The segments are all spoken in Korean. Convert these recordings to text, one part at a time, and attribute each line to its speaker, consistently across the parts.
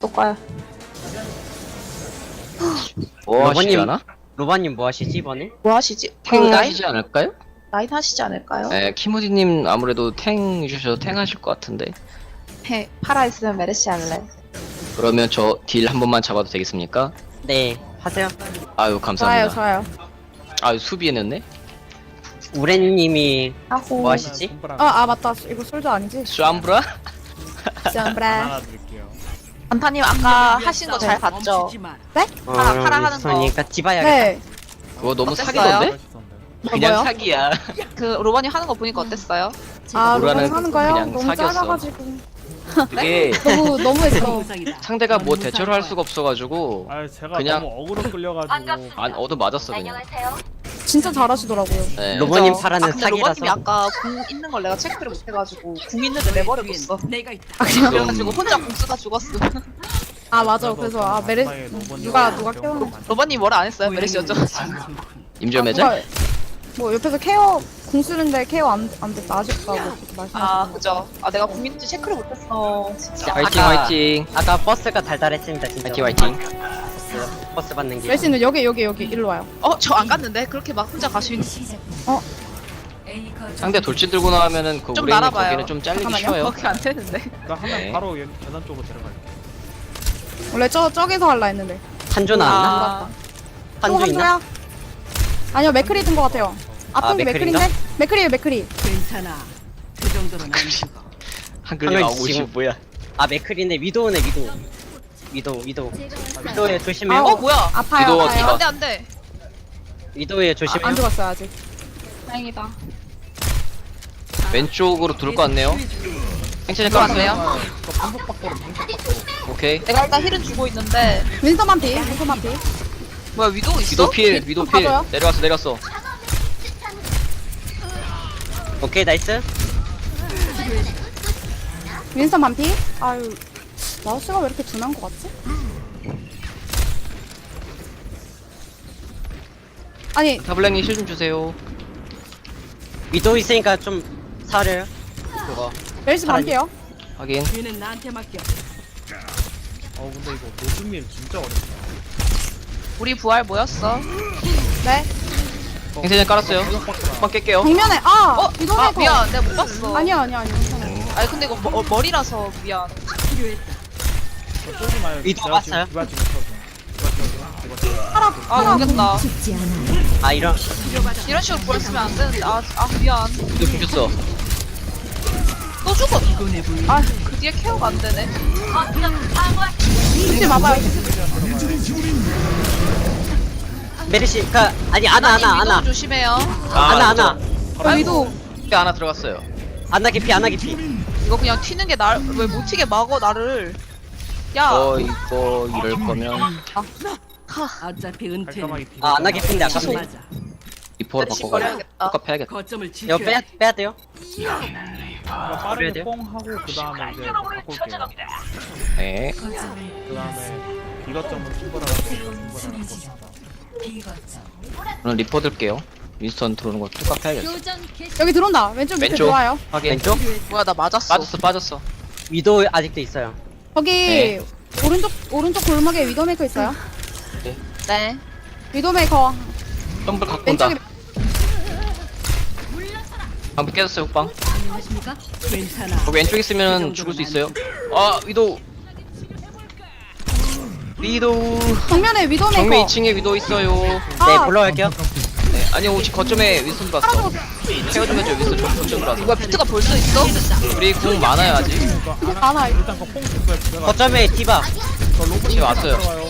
Speaker 1: 또 꺼요.
Speaker 2: 뭐 하시지
Speaker 3: 로바님,
Speaker 2: 않아?
Speaker 3: 로바님 뭐 하시지 이번에?
Speaker 1: 뭐 하시지? 그
Speaker 2: 탱
Speaker 1: 라인
Speaker 2: 하시지 않을까요?
Speaker 1: 라인 하시지 않을까요?
Speaker 2: 네, 키무디님 아무래도 탱 주셔서 탱 하실 것 같은데.
Speaker 1: 해 팔아 있으면 메르시 할래.
Speaker 2: 그러면 저 딜 한 번만 잡아도 되겠습니까?
Speaker 3: 네, 하세요.
Speaker 2: 아유 감사합니다.
Speaker 4: 좋아요.
Speaker 2: 아유 수비해냈네.
Speaker 3: 우레님이
Speaker 1: 하고
Speaker 3: 뭐 하시지?
Speaker 4: 맞다. 이거 솔저 아니지?
Speaker 2: 쌈브라?
Speaker 4: 쌈브라.
Speaker 1: 안타님 아까 하신 거 잘 봤죠? 파라 하는 거.
Speaker 3: 그러니까 디바야겠다.
Speaker 4: 네.
Speaker 2: 그거 너무
Speaker 1: 어땠어요?
Speaker 2: 사기던데? 그냥
Speaker 4: 뭐요?
Speaker 2: 사기야.
Speaker 1: 그 로버님 하는 거 보니까 어땠어요?
Speaker 4: 아,
Speaker 2: 뭐라는
Speaker 4: 로봇 하는 거요?
Speaker 2: 그냥
Speaker 4: 너무
Speaker 2: 사귀었어.
Speaker 4: 짧아가지고.
Speaker 2: 그게
Speaker 4: 너무했어.
Speaker 2: 상대가 뭐 대처를 할 수가 없어가지고
Speaker 5: 아 제가
Speaker 2: 그냥-
Speaker 5: 너무 어그로 끌려가지고
Speaker 2: 안 얻어 맞았어 그냥.
Speaker 4: 진짜 잘하시더라고요.
Speaker 2: 네.
Speaker 3: 로버님
Speaker 1: 그죠?
Speaker 3: 파라는
Speaker 1: 근데 로버님이
Speaker 3: 사기라서.
Speaker 1: 아까 궁 있는 걸 내가 체크를 못해가지고 궁 있는데 내버려뒀어.
Speaker 2: 지금
Speaker 1: 그래가지고 혼자 궁 쓰다 죽었어.
Speaker 4: 아, 맞아. 그래서 누가 케어.
Speaker 1: 로버님 뭐라 안 했어요? 메르시 여쭤가지고.
Speaker 2: 임점해자?
Speaker 4: 뭐 옆에서 케어 공 쓰는데 케어 안 됐다 아쉽다고 그렇게 말씀하셨어요.
Speaker 1: 아 그죠. 아 내가 궁 있는지 체크를 못했어. 진짜.
Speaker 2: 화이팅
Speaker 3: 아까-
Speaker 2: 화이팅.
Speaker 3: 아까 버스가 달달했습니다 진짜.
Speaker 2: 화이팅 화이팅.
Speaker 3: 버스 받는 게.
Speaker 4: 멜씨는 여기 일로 와요.
Speaker 1: 저 안 갔는데 그렇게 막 혼자 가시는.
Speaker 2: 상대 돌진 들고 나오면은 그
Speaker 1: 좀
Speaker 2: 우레님
Speaker 1: 날아봐요.
Speaker 2: 거기는 좀 잘리기
Speaker 4: 잠깐만요.
Speaker 2: 쉬워요.
Speaker 1: 그렇게 안 되는데.
Speaker 5: 나 하면
Speaker 2: 네.
Speaker 5: 바로 계단 쪽으로 들어갈게.
Speaker 4: 원래 저기서 할라 했는데.
Speaker 3: 한조 나왔나?
Speaker 1: 아,
Speaker 3: 한조
Speaker 4: 또
Speaker 3: 있나?
Speaker 4: 한조야? 아니요, 맥크리 든 것 같아요. 앞선 게
Speaker 3: 맥크리인가?
Speaker 4: 맥크리인데? 맥크리에요, 맥크리.
Speaker 6: 괜찮아. 그 정도는 아니고.
Speaker 2: 한글이
Speaker 3: 한글
Speaker 2: 나오고
Speaker 3: 지금-
Speaker 2: 있지 뭐야?
Speaker 3: 아 맥클인데 위도우네 위도우에 조심해요.
Speaker 4: 아,
Speaker 1: 뭐야?
Speaker 4: 아파요,
Speaker 2: 위도우
Speaker 4: 아파요.
Speaker 2: 디바.
Speaker 1: 안돼 안돼.
Speaker 3: 위도우에 조심해요.
Speaker 4: 안 죽었어요, 아직.
Speaker 1: 다행이다.
Speaker 2: 왼쪽으로 돌 것 같네요. 행체님 깔았어요? 오케이.
Speaker 1: 내가 일단 힐은 주고 있는데
Speaker 4: 윈서만 피, 윈서만 피.
Speaker 1: 뭐야 위도우 있어?
Speaker 2: 위도 필, 위도 필.
Speaker 4: 봐줘요?
Speaker 2: 내려왔어.
Speaker 3: 오케이 나이스.
Speaker 4: 윈서만 피. 아유, 마우스가 왜 이렇게 둔한 것 같지? 아니,
Speaker 2: 타블랭이 실 좀 주세요.
Speaker 3: 위도우 있으니까 좀 사려요.
Speaker 2: 그거
Speaker 4: 멜시 반피요.
Speaker 2: 확인.
Speaker 6: 뒤는 나한테 맡겨.
Speaker 5: 근데 이거 노즈밀 진짜 어렵다.
Speaker 1: 우리 부활 모였어.
Speaker 4: 네.
Speaker 2: 행체님 깔았어요. 한번 깰게요.
Speaker 4: 정면에, 위도메이커.
Speaker 1: 미안 내가 못 봤어.
Speaker 4: 아니야, 괜찮아요.
Speaker 1: 아니 근데 이거 머리라서 미안.
Speaker 5: 쏘지 마요.
Speaker 3: 위도
Speaker 5: 제가 지금
Speaker 3: 봤어요?
Speaker 5: 디바 지금 쳐줘. 디바 쳐줘.
Speaker 1: 아 모르겠다.
Speaker 3: 아 이런
Speaker 1: 이런 식으로 부활 쓰면 안 되는데 아 미안.
Speaker 2: 위도 죽였어.
Speaker 1: 또 죽어.
Speaker 6: 이거네 불.
Speaker 1: 그 뒤에 케어가 안 되네.
Speaker 4: 죽지 마봐요.
Speaker 3: 메르시가 아니 아나
Speaker 1: 위도우 조심해요.
Speaker 3: 아나
Speaker 4: 위도.
Speaker 2: 하나 들어갔어요.
Speaker 3: 아나 깊이
Speaker 1: 이거 그냥 튀는 게 날 왜 못 튀게 막어 나를. 야.
Speaker 2: 이거 이럴 거면
Speaker 6: 어차피 은퇴는
Speaker 5: 깔끔하게 비벼.
Speaker 3: 아 아나 깊인데 아까
Speaker 1: 취소.
Speaker 6: 맞아.
Speaker 2: 리포로
Speaker 1: 다시
Speaker 2: 바꿔가지고
Speaker 1: 버려야겠다.
Speaker 2: 똑같 해야겠다.
Speaker 6: 거점을
Speaker 3: 이거
Speaker 6: 지켜.
Speaker 3: 빼야 돼요.
Speaker 5: 그러니까
Speaker 3: 그래야
Speaker 5: 빠르게
Speaker 3: 돼요?
Speaker 5: 뽕 하고 그 다음에 이제 바꿀게요.
Speaker 2: 네.
Speaker 5: 그 다음에 이것저것 충분하고
Speaker 2: 저는 리포 들게요. 윈스턴 들어오는 거 똑같 해야겠어.
Speaker 4: 여기 들어온다. 왼쪽 밑에
Speaker 2: 왼쪽.
Speaker 4: 들어와요.
Speaker 2: 확인.
Speaker 3: 왼쪽
Speaker 1: 뭐야 나 맞았어.
Speaker 2: 빠졌어.
Speaker 3: 위도우 아직도 있어요.
Speaker 4: 거기
Speaker 2: 네.
Speaker 4: 오른쪽 골목에 위도메이커 있어요.
Speaker 1: 네.
Speaker 4: 위도메이커
Speaker 2: 점프 갖고 온다.
Speaker 4: 왼쪽에
Speaker 2: 방금 깨졌어요 훅방.
Speaker 6: 괜찮아.
Speaker 2: 거기 왼쪽 있으면 죽을 수 있어요. 위도우.
Speaker 4: 정면에 위도메이커.
Speaker 2: 정면 2층에 위도우 있어요.
Speaker 3: 네 올라갈게요.
Speaker 2: 네. 아니 혹시 거점에 윈스턴 봤어. 케어 좀 해줘 윈스턴 거점 들어왔어.
Speaker 1: 뭐야 비트가 벌써 있어?
Speaker 2: 우리 궁 많아요 아직.
Speaker 4: 많아.
Speaker 5: 일단 그뽕 줬어요. 제가
Speaker 3: 거점에 디바.
Speaker 2: 지금 왔어요.
Speaker 5: 들어와요.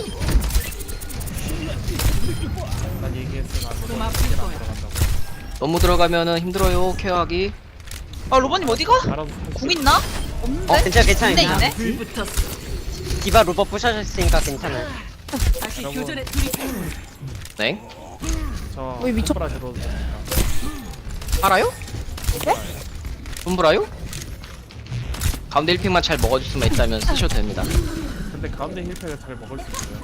Speaker 5: 난 얘기했으나
Speaker 6: 좀 아플 거야.
Speaker 5: 들어간다고.
Speaker 2: 너무 들어가면은 힘들어요 케어하기.
Speaker 1: 아 로버님 어디가?
Speaker 5: 알아서
Speaker 1: 궁 있나? 없는데?
Speaker 3: 괜찮아.
Speaker 1: 있네.
Speaker 6: 불 붙었어.
Speaker 3: 디바 로버 부셔졌으니까 괜찮아요.
Speaker 6: 다시
Speaker 5: 여러분.
Speaker 6: 교전에 돌입해.
Speaker 2: 네.
Speaker 5: 저
Speaker 4: 어이, 미쳤-
Speaker 5: 손브라 줘도 됩니까?
Speaker 2: 알아요? 손브라요? 가운데 1픽만 잘 먹어줄 수만 있다면 쓰셔도 됩니다.
Speaker 5: 근데 가운데 힐팩을 잘 먹을 수 있어요.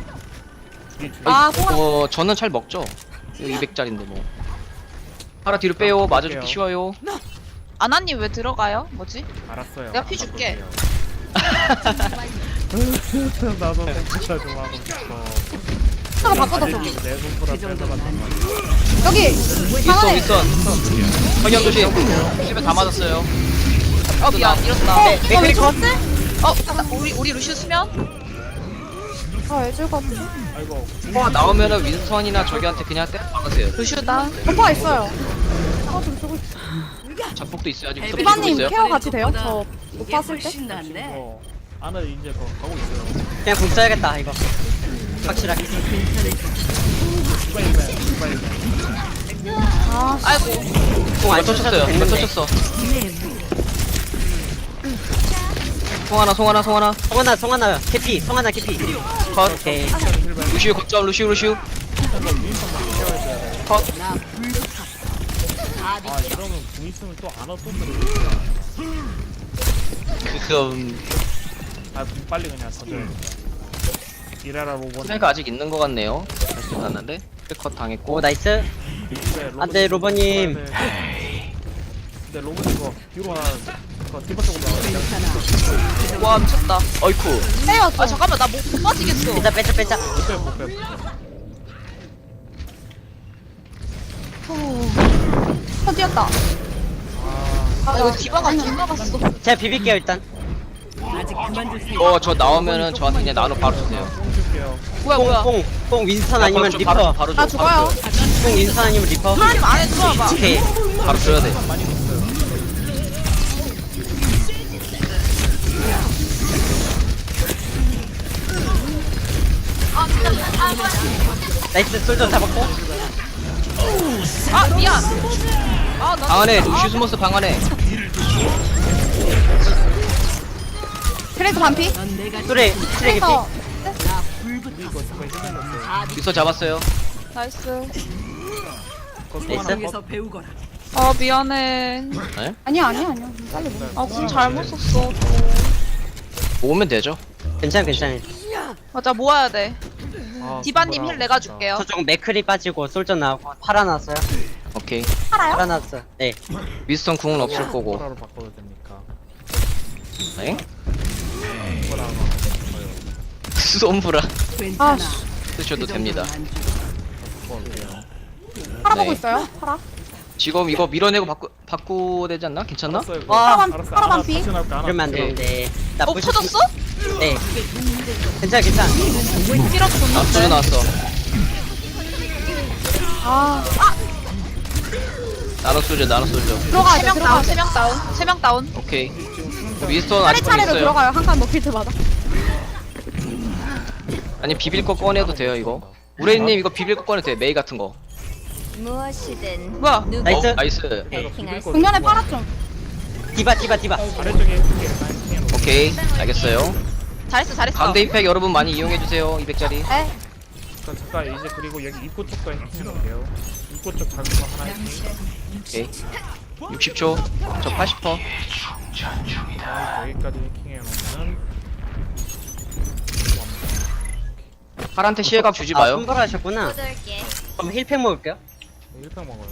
Speaker 2: 저는 잘 먹죠. 200짜린데 뭐. 하나 뒤로 빼요. 맞아주기 쉬워요.
Speaker 1: 아나님 왜 들어가요? 뭐지?
Speaker 5: 알았어요.
Speaker 1: 내가 피 줄게.
Speaker 5: 나도 진짜 좀 하고 싶어.
Speaker 4: 차가 바꿔줬어.
Speaker 5: 내 손보다 뺏어갔단 말이야.
Speaker 4: 여기
Speaker 2: 윗선
Speaker 4: 방안에
Speaker 2: 윗선 석양 조심 집에 다 맞았어요.
Speaker 1: 미안 이렇다.
Speaker 3: 맥크리 컷.
Speaker 1: 우리 루시우 수면?
Speaker 4: 아 애줄 것 같은데.
Speaker 5: 아이고.
Speaker 2: 포가 나오면은 윈스턴이나 저기한테 그냥 때려 박으세요.
Speaker 1: 루시우다.
Speaker 4: 오빠가 있어요. 차좀 쓰고 있어.
Speaker 2: 자폭도 있어야지. 윈스턴
Speaker 4: 비바님
Speaker 2: 있어요.
Speaker 4: 케어 같이 돼요? 저 못 봤을 때?
Speaker 6: 훨씬 낫네.
Speaker 5: 어. 안에 이제 거 가고 있어요.
Speaker 3: 그냥 궁 써야겠다 이거. 확실하게.
Speaker 5: 빨리.
Speaker 4: 아
Speaker 1: 아이고.
Speaker 3: 궁안
Speaker 2: 몇
Speaker 3: 쳐셔도
Speaker 2: 쳤어요? 몇
Speaker 3: 됐는데.
Speaker 2: 쳤어? 송하나
Speaker 3: 송하나 캐피. 송하나 캐피.
Speaker 2: 컷.
Speaker 3: 오케이.
Speaker 2: 루시우 거점 루시우 컷.
Speaker 5: 아 이러면 궁 있으면 또 안 와또 그래.
Speaker 2: 그럼
Speaker 5: 아궁 빨리 그냥 던져야 돼. 이래라 로봇.
Speaker 2: 스나이가 아직 있는 것 같네요. 다시 났는데 컷 당했고.
Speaker 3: 오 나이스. 안돼 로버님.
Speaker 5: 근데 로봇 이거 뒤로 하나 그거 디바 쪽으로 나와.
Speaker 1: 와 미쳤다.
Speaker 2: 어이쿠.
Speaker 4: 빼요
Speaker 1: 아
Speaker 4: 저.
Speaker 1: 잠깐만 나 못 빠지겠어.
Speaker 3: 빼자.
Speaker 5: 못 빼.
Speaker 4: 저 뛰었다.
Speaker 1: 아 이거 디바가 갔어.
Speaker 3: 제가 비빌게요 일단.
Speaker 6: 아직 그만둘 수
Speaker 2: 저 나오면은 저한테 그냥 나눠 바로 주세요.
Speaker 5: 뽕 줄게요.
Speaker 1: 뭐야.
Speaker 3: 뽕 윈스턴 아니면
Speaker 2: 좀
Speaker 3: 리퍼.
Speaker 2: 바로
Speaker 4: 나
Speaker 2: 줘.
Speaker 4: 죽어요.
Speaker 3: 뽕 윈스턴 아니면 리퍼.
Speaker 1: 하나님 안에 들어와봐.
Speaker 3: 오케이.
Speaker 2: 바로 줘야 돼.
Speaker 5: 많이 됐어요.
Speaker 3: 나이스 솔저 잡았고.
Speaker 1: 아 미안. 아나
Speaker 2: 방 안에 루시우 스모스 방 안에.
Speaker 4: 그래서 반피.
Speaker 6: 넌 내가
Speaker 3: 쓰레기 피.
Speaker 4: 그래서
Speaker 2: 윗선 잡았어요.
Speaker 1: 나이스.
Speaker 3: 나이스.
Speaker 6: 속에서 배우거라.
Speaker 1: 아 미안해.
Speaker 2: 네?
Speaker 4: 아니야. 빨리 뭐.
Speaker 1: 아궁 잘못 썼어.
Speaker 2: 모으면 되죠.
Speaker 3: 괜찮아.
Speaker 1: 맞아 모아야 돼.
Speaker 5: 아,
Speaker 1: 디바님 힐 내가
Speaker 5: 진짜.
Speaker 1: 줄게요.
Speaker 3: 저쪽 맥크리 빠지고 솔저 나오고 팔아 나왔어요.
Speaker 2: 오케이.
Speaker 3: 팔아 나왔어. 네.
Speaker 2: 윈스턴 궁은 없을 거고.
Speaker 5: 코라로 바꿔도 됩니까?
Speaker 2: 네?
Speaker 5: 코라로
Speaker 2: 솜브라
Speaker 6: 괜찮아.
Speaker 2: 쓰셔도
Speaker 6: 그
Speaker 2: 됩니다.
Speaker 6: 정도는 안 죽어.
Speaker 5: 바꿔볼게요.
Speaker 4: 팔아
Speaker 2: 네.
Speaker 4: 보고 있어요. 팔아.
Speaker 2: 지금 이거 밀어내고 바꾸야 되지 않나? 괜찮나?
Speaker 5: 알았어요, 그거.
Speaker 3: 와,
Speaker 5: 알았어.
Speaker 4: 팔아 반피.
Speaker 5: 다시 나올까?
Speaker 3: 이러면 안 되는데. 나
Speaker 1: 어
Speaker 3: 부셔-
Speaker 1: 터졌어?
Speaker 3: 네. 괜찮아.
Speaker 1: 힐업
Speaker 2: 아, 소리
Speaker 1: 줬는데.
Speaker 2: 나왔어.
Speaker 4: 아
Speaker 2: 나눠 쏘죠.
Speaker 4: 들어가야 돼.
Speaker 1: 3명 다운.
Speaker 4: 들어가야 돼.
Speaker 1: 3명 다운. 3명 다운.
Speaker 2: 오케이. 윈스턴 아직
Speaker 4: 차례차례로
Speaker 2: 있어요.
Speaker 4: 들어가요. 한 칸 먹힐 때마다.
Speaker 2: 아니 비빌 거 꺼내도 돼요 이거. 우레님 이거 비빌 거 꺼내도 돼. 메이 같은 거.
Speaker 7: 무엇이든
Speaker 1: 뭐야?
Speaker 3: 나이스.
Speaker 2: 나이스.
Speaker 7: 해킹할 수
Speaker 4: 정면에 팔아 좀.
Speaker 3: 디바.
Speaker 5: 아래쪽에
Speaker 2: 오케이. 알겠어요.
Speaker 1: 잘했어.
Speaker 2: 가운데 힙팩 여러분 많이 이용해 주세요. 200짜리.
Speaker 4: 에?
Speaker 5: 잠깐 이제 그리고 여기 입구 쪽도 해놓을게요. 입구 쪽 작은 거 하나 있지.
Speaker 2: 오케이. 60초. 저 80%.
Speaker 5: 여기까지 해킹해놓으면
Speaker 2: 팔한테 시혜각 주지 마요.
Speaker 3: 손보라 하셨구나.
Speaker 7: 묻을게.
Speaker 3: 그럼 힐팩 먹을게요.
Speaker 5: 1평 먹어요.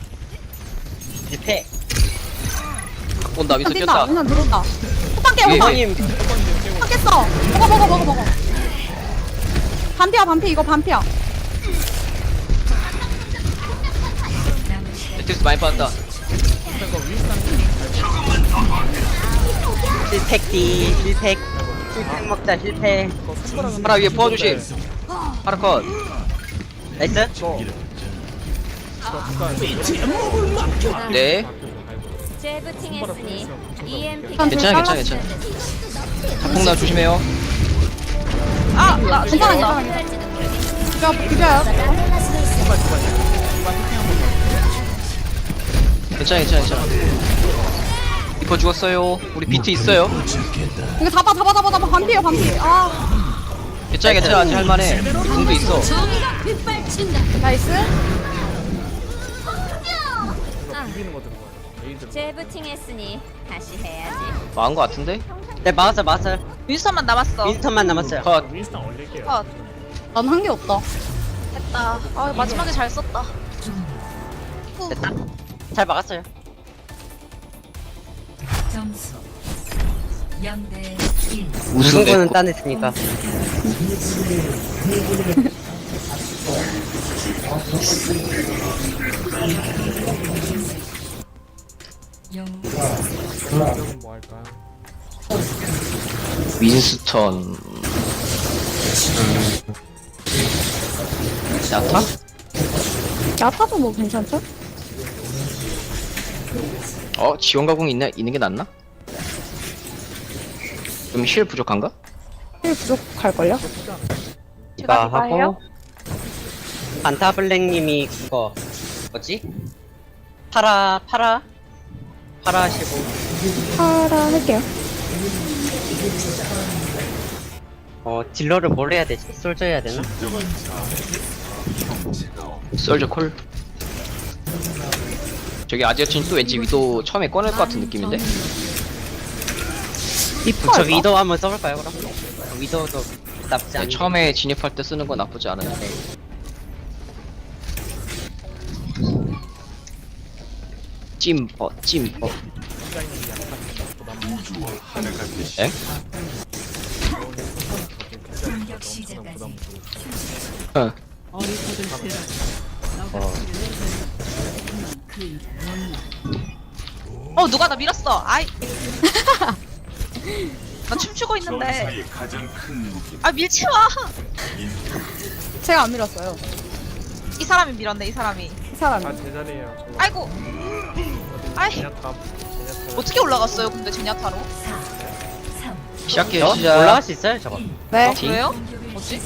Speaker 3: 힐팩.
Speaker 2: 갖고 온다. 윈스턴
Speaker 4: 뛴다.
Speaker 2: 뛰었다.
Speaker 4: 그냥 들어온다. 호빵 깨.
Speaker 2: 예,
Speaker 4: 호빵.
Speaker 3: 형님.
Speaker 4: 호빵 깼어. 먹어. 반피야. 이거 반피야.
Speaker 2: 매트리스 많이 빠졌다.
Speaker 3: 힐팩 먹자 힐팩.
Speaker 2: 파라 위에 포화 조심. 파라 컷.
Speaker 3: 나이스.
Speaker 2: 네.
Speaker 7: 재부팅했으니 EMP
Speaker 2: 괜찮아. 자폭나 조심해요.
Speaker 1: 아나
Speaker 4: 괜찮아. 비벼요.
Speaker 2: 괜찮아. 리퍼 죽었어요. 우리 비트 있어요.
Speaker 4: 이거 잡아. 반피야. 아
Speaker 2: 괜찮아. 아직 할만해. 궁도 있어.
Speaker 4: 나이스.
Speaker 5: 비비는 거 들어가요. 레이드.
Speaker 7: 재부팅했으니 다시 해야지.
Speaker 2: 망한 거 같은데?
Speaker 3: 네 막았어요.
Speaker 1: 윈스턴만 남았어.
Speaker 3: 윈스턴만 남았어요.
Speaker 2: 컷.
Speaker 5: 윈스턴 올릴게요.
Speaker 1: 컷.
Speaker 4: 난 한 게 없다.
Speaker 1: 됐다. 아 마지막에 잘 썼다.
Speaker 3: 됐다. 잘 막았어요.
Speaker 6: 점수
Speaker 3: 무슨 거는
Speaker 2: 됐고.
Speaker 3: 따냈으니까.
Speaker 5: 공격은 뭐 할까요?
Speaker 2: 윈스턴. 야타?
Speaker 4: 야타도 뭐 괜찮죠?
Speaker 2: 지원 가공 있는 게 낫나? 좀 힐 부족한가?
Speaker 4: 힐 부족할걸요?
Speaker 3: 이거
Speaker 1: 디바예요?
Speaker 3: 하고 반타블랙님이 그거 뭐지? 파라 하시고
Speaker 4: 파라 할게요.
Speaker 3: 딜러를 뭘 해야 되지? 솔저 해야 되나?
Speaker 2: 솔저 콜. 저기 아지아친 또 왠지 위도 처음에 꺼낼 것 같은 느낌인데?
Speaker 4: 리퍼
Speaker 3: 저
Speaker 4: 할까?
Speaker 3: 위도 한번 써볼까요 그럼? 위도도 나쁘지 않네.
Speaker 2: 처음에 진입할 때 쓰는 건 나쁘지 않은데. 찜버. 엥? 어.
Speaker 6: 어리석은 세라.
Speaker 1: 누가 나 밀었어. 아이. 나 춤추고 있는데. 아 밀지 마.
Speaker 4: 제가 안 밀었어요.
Speaker 1: 이 사람이 밀었네. 이 사람이.
Speaker 4: 이 사람이.
Speaker 5: 제자리에요. 저거.
Speaker 1: 아이고. 아이.
Speaker 5: 제냐탑.
Speaker 1: 어떻게 올라갔어요? 근데 제냐타로?
Speaker 2: 시작해요. 시작.
Speaker 3: 올라갈 수 있어요 저거?
Speaker 4: 네.
Speaker 1: 그래요? 뭐지?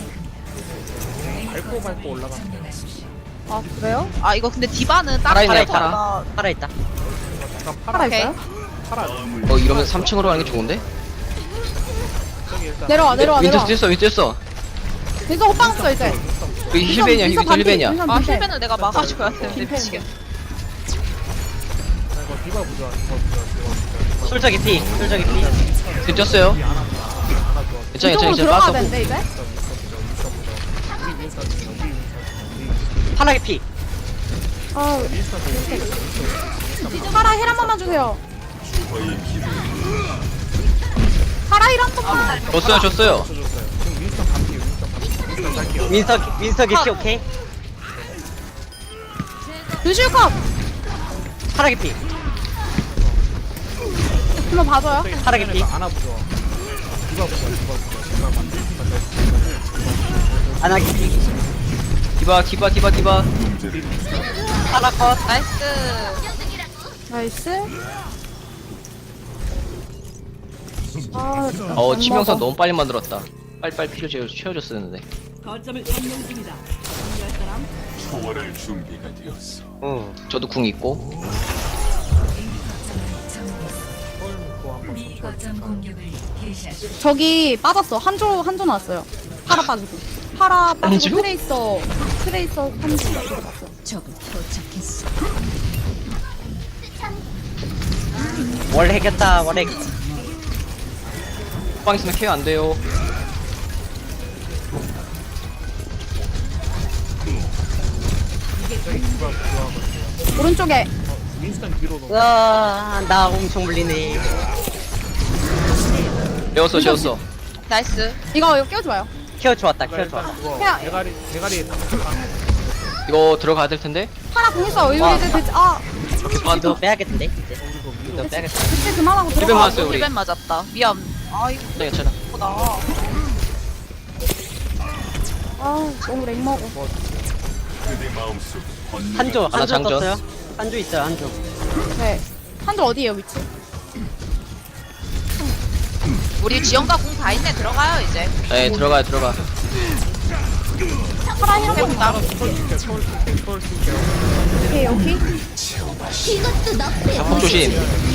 Speaker 5: 밟고 올라가면 돼요.
Speaker 4: 아 그래요?
Speaker 1: 아 이거 근데 디바는 딱
Speaker 2: 살아있네,
Speaker 1: 파라.
Speaker 3: 살아있다.
Speaker 5: 약간
Speaker 4: 파라
Speaker 1: 오케이.
Speaker 4: 있어요?
Speaker 5: 파라.
Speaker 2: 이러면 3층으로 가는 게 좋은데?
Speaker 5: 저기 일단
Speaker 4: 내려와.
Speaker 2: 윈스 뛰었어.
Speaker 4: 민서 호빵 없어 이제.
Speaker 2: 힐벤이야. 힐벤이야.
Speaker 1: 아 힐벤을 내가 막아줘야 되는데
Speaker 4: 빈펜.
Speaker 1: 미치겠네.
Speaker 5: 이거 디바 부자.
Speaker 3: 솔저 개피.
Speaker 2: 뛰었어요. 괜찮아.
Speaker 4: 이쪽으로 들어가야 되는데 이제.
Speaker 3: 파라 개피.
Speaker 4: 아 파라 힐 한 번만 주세요. 파라 힐 한 번만.
Speaker 2: 줬어요.
Speaker 5: 지금 윈스턴 반피. 윈스턴 갈게요.
Speaker 3: 윈서 개피 오케이.
Speaker 4: 루시우 컵.
Speaker 3: 파라 개피.
Speaker 4: 한번 봐줘요.
Speaker 3: 파라 개피.
Speaker 5: 안아 부자. 디바 부자.
Speaker 3: 아나 개피.
Speaker 2: 디바.
Speaker 3: 파라 컷.
Speaker 1: 나이스.
Speaker 4: 나이스. 아
Speaker 2: 치명상 너무 빨리 만들었다. 빨리 필요 채워줬었는데.
Speaker 6: 거점을 점령 중이다. 중요할 사람?
Speaker 2: 저도 궁 있고.
Speaker 4: 저기 빠졌어. 한조 나왔어요. 파라 빠지고. 파라 빠지고
Speaker 2: 한조?
Speaker 4: 트레이서 한조 들어갔어.
Speaker 3: 원래 해겼다.
Speaker 2: 빵 있으면 케어 안 돼요.
Speaker 4: 오른쪽에
Speaker 5: 윈스턴 뒤로 놓고.
Speaker 3: 나 엄청 물리네.
Speaker 2: 재웠어.
Speaker 1: 나이스.
Speaker 4: 이거 깨워줘요.
Speaker 3: 케어 좋았다. 케어
Speaker 5: 일단
Speaker 3: 좋았다.
Speaker 5: 그거
Speaker 4: 그냥-
Speaker 5: 대가리
Speaker 2: 이거 들어가야 될 텐데.
Speaker 4: 파라 공 있어. 이거
Speaker 3: 와.
Speaker 4: 이제 됐지.
Speaker 3: 위도 빼야겠는데 이제. 위도 빼야겠다.
Speaker 4: 그때 그만하고
Speaker 2: 힐벤
Speaker 4: 들어가.
Speaker 2: 맞았어요 우리.
Speaker 1: 힐벤 맞았다. 미안. 아이고
Speaker 2: 괜찮아.
Speaker 1: 나.
Speaker 4: 아 너무 렉 먹어.
Speaker 3: 한조
Speaker 2: 장전.
Speaker 3: 떴어요. 한조 있어요. 한조.
Speaker 4: 네. 한조 어디에요 위치?
Speaker 1: 우리 지원과 공 다 있네. 들어가요 이제.
Speaker 2: 네 들어가.
Speaker 4: 파라 힐 한번 나. 오케이.
Speaker 2: 자폭 조심.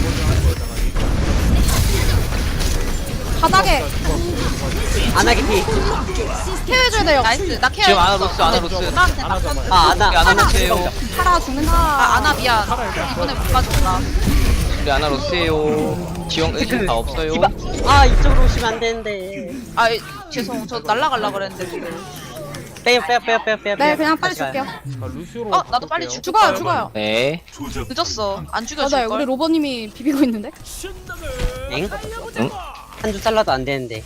Speaker 4: 바닥에
Speaker 3: 아나 개피.
Speaker 4: 케어해줘야 돼요.
Speaker 1: 나이스. 나 케어.
Speaker 2: 지금 아나 로스.
Speaker 1: 나 그냥 낙선.
Speaker 3: 아나.
Speaker 2: 아나 로스예요.
Speaker 4: 파라 죽는다.
Speaker 1: 아나 미안. 이번에 못 가졌다.
Speaker 2: 우리 아나 로스예요. 지원 다 없어요.
Speaker 3: 디바. 이쪽으로 오시면 안 되는데.
Speaker 1: 아 죄송. 저 날라갈라 그랬는데 지금.
Speaker 3: 빼요.
Speaker 4: 네 그냥 빨리
Speaker 3: 다시 가요.
Speaker 4: 줄게요.
Speaker 5: 루시오로.
Speaker 1: 나도 빨리
Speaker 5: 바꿀게요.
Speaker 4: 죽어요.
Speaker 2: 네.
Speaker 1: 늦었어. 안
Speaker 4: 맞아요.
Speaker 1: 죽여줄
Speaker 4: 우리
Speaker 1: 걸.
Speaker 4: 로버님이 비비고 있는데.
Speaker 3: 엥?
Speaker 2: 응?
Speaker 3: 한 주 잘라도 안 되는데.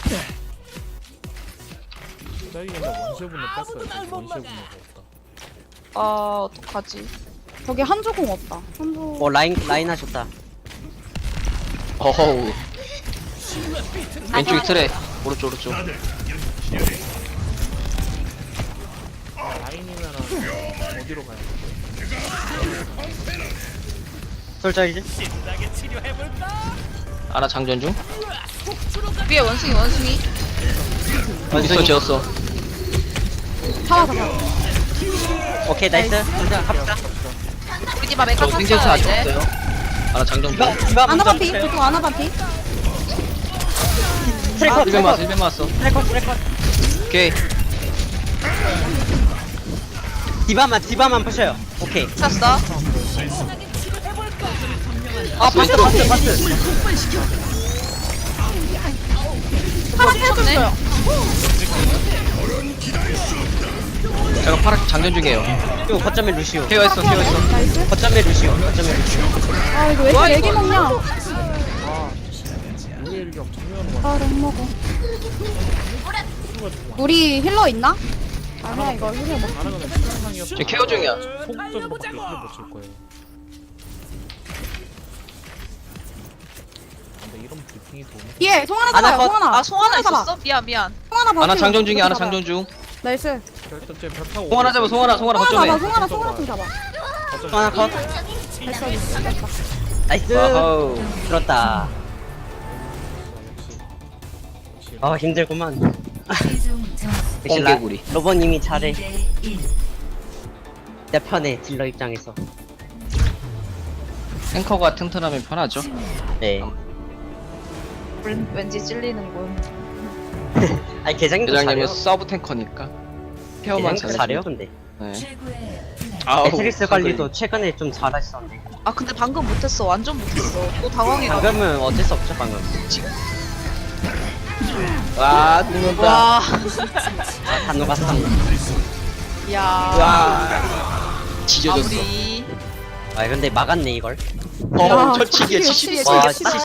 Speaker 5: 딸기 근데 원시분을 뺐어요. 원시분을 없다.
Speaker 1: 아 어떡하지?
Speaker 4: 저기 한조공 없다. 한조.
Speaker 3: 라인 하셨다.
Speaker 2: 어허우. 왼쪽이 트레. 오른쪽.
Speaker 5: 라인이면은 어디로 가야 돼?
Speaker 3: 솔저 이제?
Speaker 2: 아나 장전 중.
Speaker 1: 위에 원숭이.
Speaker 2: 윈스턴 재웠어.
Speaker 4: 잡아.
Speaker 3: 오케이, 나이스. 솔저 갑시다.
Speaker 1: 우리 집 앞에
Speaker 2: 저
Speaker 1: 카
Speaker 2: 생존수
Speaker 1: 탔어요
Speaker 2: 아직
Speaker 1: 이제.
Speaker 2: 없어요. 아나 장전 중.
Speaker 3: 디바
Speaker 4: 아나
Speaker 3: 먼저.
Speaker 4: 반피. 보통 아나 반피.
Speaker 3: 트래커,
Speaker 2: 1벤 맞았어.
Speaker 3: 트래커.
Speaker 2: 오케이.
Speaker 3: 디바만 푸셔요. 오케이.
Speaker 1: 찼어.
Speaker 2: 바스.
Speaker 4: 파라 태워줬어요.
Speaker 2: 제가 파라 장전 중이에요.
Speaker 3: 그리고 거점에 루시오.
Speaker 2: 케어했어.
Speaker 4: 나이스.
Speaker 3: 거점에 루시오.
Speaker 4: 아 이거 왜 이렇게 애기 먹냐?
Speaker 5: 우리 일격 정면으로
Speaker 4: 아 렉 먹어. 우리 힐러 있나? 아니야 이거 힐러 먹.
Speaker 5: 가는 거는 시간상이었어.
Speaker 2: 제 케어 중이야.
Speaker 5: 소극적인 것밖에 못줄 거예요. 근데 이런 브리핑이 도움이
Speaker 4: 예, 송하나
Speaker 3: 아나
Speaker 4: 잡아요.
Speaker 3: 컷.
Speaker 4: 송하나.
Speaker 1: 아 송하나
Speaker 4: 잡아.
Speaker 1: 있었어? 미안.
Speaker 4: 송하나 봐.
Speaker 2: 아나 장전 중이야. 아나 장전 중.
Speaker 4: 나이스.
Speaker 5: 일단 쟤 벽 타고
Speaker 2: 송하나 잡아. 송하나
Speaker 4: 송하나
Speaker 2: 거점에.
Speaker 4: 잡아. 송하나 좀 잡아.
Speaker 3: 하나 컷.
Speaker 4: 됐어.
Speaker 3: 나이스.
Speaker 2: 와우.
Speaker 3: 들었다. 힘들구만. 역시
Speaker 2: 꽁개구리.
Speaker 3: 로버님이 잘해. 내 편해, 딜러 입장에서.
Speaker 2: 탱커가 튼튼하면 편하죠.
Speaker 3: 네.
Speaker 1: 왠지 찔리는군.
Speaker 3: 아니, 개장님도
Speaker 2: 대장님은
Speaker 3: 잘해요.
Speaker 2: 서브 탱커니까. 케어만
Speaker 3: 개장님도 잘해요, 근데.
Speaker 2: 네. 아우.
Speaker 3: 매트릭스 관리도 최근에 좀 잘하시던데.
Speaker 1: 아 근데 방금 못했어. 완전 못했어. 또 당황해가지고.
Speaker 3: 방금은 어쩔 수 없죠, 방금.
Speaker 2: 와, 죽는다.
Speaker 1: 와.
Speaker 3: 다 녹았어.
Speaker 1: 야.
Speaker 2: 와. 지져졌어.
Speaker 1: 마무리.
Speaker 3: 아, 근데 막았네, 이걸.
Speaker 2: 철치기에
Speaker 4: 역시
Speaker 2: 70.
Speaker 3: 와,
Speaker 4: 역시